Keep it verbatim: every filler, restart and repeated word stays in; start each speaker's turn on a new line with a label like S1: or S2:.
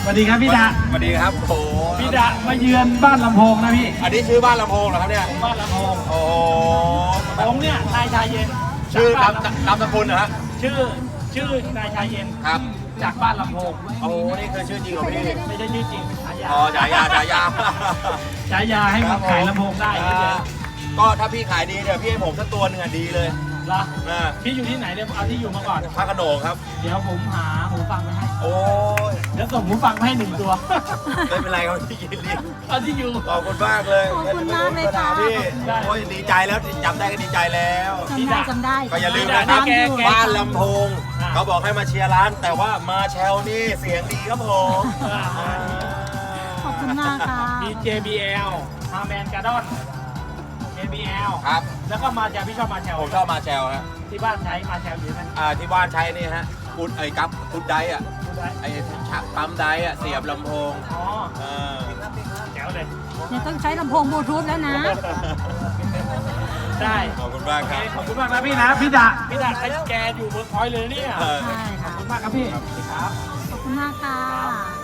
S1: สวัสดีครับพี่ดา
S2: สวัสดีครับโอ้
S1: พี่ดามาเยือนบ้านลำโพงนะพี่
S2: อันนี้ชื่อบ้านลำโพงเหรอครับเนี่ย
S1: บ้านลำโพง
S2: โอ้
S1: ผมเนี่ยนายชายเย็น
S2: ชื่อ
S1: จาก
S2: นาม
S1: บ้านลำ
S2: นามสกุลเหรอฮะ
S1: ชื่อชื่อนายชายเย็น
S2: ครับ
S1: จากบ้านลำโพง
S2: โอ้นี่คือชื่อจริงของพี่
S1: ไม่ใช่ชื่อจริงเป็นฉายา
S2: อ๋อฉายาฉายา
S1: ฉายาให้มาขายลำโพงได้
S2: อ่า
S1: เฉย
S2: ก็ถ้าพี่ขายดีเดี๋ยวพี่ให้ผมสักตัวหนึ่งอ่ะดีเลย
S1: ๆเหรอ
S2: นะ
S1: พี่อยู่ที่ไหนเนี่ยเอาที่อยู่มาก่อน
S2: พระโขนงครับ
S1: เดี๋ยวผมหาหูฟังไปให้
S2: โอ้ย
S1: เดี๋ยวส่งหูฟังมาให้หนึ่งตัว
S2: ไม่เป็นไรครับพี่ยินดี
S1: เอาที่อยู่
S2: ขอบคุณมากเลย
S3: ขอบคุณมากเลยค่ะ
S2: พี่
S1: ได้
S2: โอ้ยดีใจแล้วจำได้ก็ดีใจแล้ว
S3: จำได้จำได้
S2: ก็อย่าลืม
S1: นะ
S2: นะครับ
S1: แกแก
S2: บ้านลำโพง
S1: อ่า
S2: เขาบอกให้มาเชียร์ร้าน แต่ว่ามาแชลนี่เสียงดีครับผม
S3: ขอบคุณมากค่ะ
S1: มี เจ บี แอล มาแมนการ์ดอน เจ บี แอล
S2: ครับ
S1: แล้วก็มาจากพี่ชอบมาแชล
S2: ผมชอบมาแชลฮะ
S1: ที่บ้านใช้มาแชลอยู่นั่น
S2: อ่าที่บ้านใช้นี่ฮะกุดไอ้กั๊บกุดไดอะ
S1: พูดได้
S2: ไอ้ชักปั๊มไดอะเสียบลำโพง
S1: อ๋อ
S2: เออ
S1: แจ๋วเลย
S3: เนี่ยต้องใช้ลำโพงบลูทูธแล้วนะ
S1: ได้
S2: ขอบคุณมาก
S1: โอ
S2: ค
S1: เครับ ขอบคุณมากนะพี่นะ พี่ดาพี่ดาใครแกอยู่เวิร์กพอยต์เลยเนี่ย
S2: เออ
S3: ใช่ค่ะ
S1: ขอบคุณมากครับพี่ครับ
S3: ขอบคุณมากค่ะ